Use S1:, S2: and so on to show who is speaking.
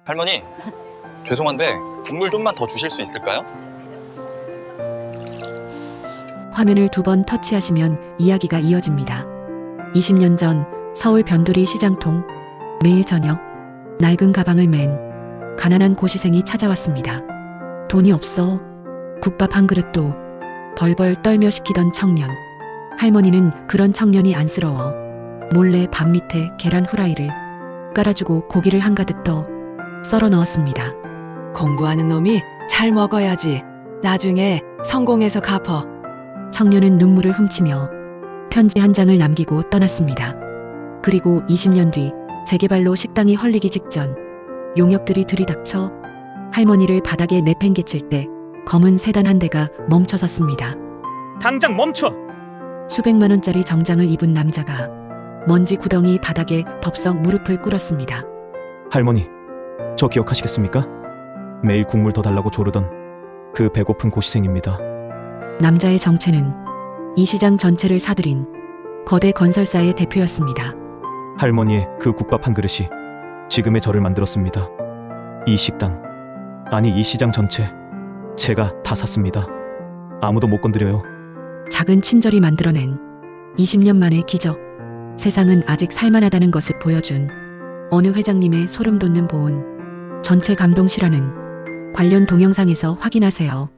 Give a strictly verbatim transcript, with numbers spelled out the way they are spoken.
S1: 할머니, 죄송한데 국물 좀만 더 주실 수 있을까요?
S2: 화면을 두 번 터치하시면 이야기가 이어집니다. 이십 년 전 서울 변두리 시장통. 매일 저녁 낡은 가방을 맨 가난한 고시생이 찾아왔습니다. 돈이 없어 국밥 한 그릇도 벌벌 떨며 시키던 청년. 할머니는 그런 청년이 안쓰러워 몰래 밥 밑에 계란 후라이를 깔아주고 고기를 한가득 더 썰어 넣었습니다.
S3: 공부하는 놈이 잘 먹어야지. 나중에 성공해서 갚어.
S2: 청년은 눈물을 훔치며 편지 한 장을 남기고 떠났습니다. 그리고 이십 년 뒤 재개발로 식당이 헐리기 직전 용역들이 들이닥쳐 할머니를 바닥에 내팽개칠 때 검은 세단 한 대가 멈춰섰습니다.
S4: 당장 멈춰!
S2: 수백만 원짜리 정장을 입은 남자가 먼지 구덩이 바닥에 덥석 무릎을 꿇었습니다.
S4: 할머니, 저 기억하시겠습니까? 매일 국물 더 달라고 조르던 그 배고픈 고시생입니다.
S2: 남자의 정체는 이 시장 전체를 사들인 거대 건설사의 대표였습니다.
S4: 할머니의 그 국밥 한 그릇이 지금의 저를 만들었습니다. 이 식당, 아니 이 시장 전체 제가 다 샀습니다. 아무도 못 건드려요.
S2: 작은 친절이 만들어낸 이십 년 만의 기적. 세상은 아직 살만하다는 것을 보여준 어느 회장님의 소름 돋는 보온. 전체 감동 실화는 관련 동영상에서 확인하세요.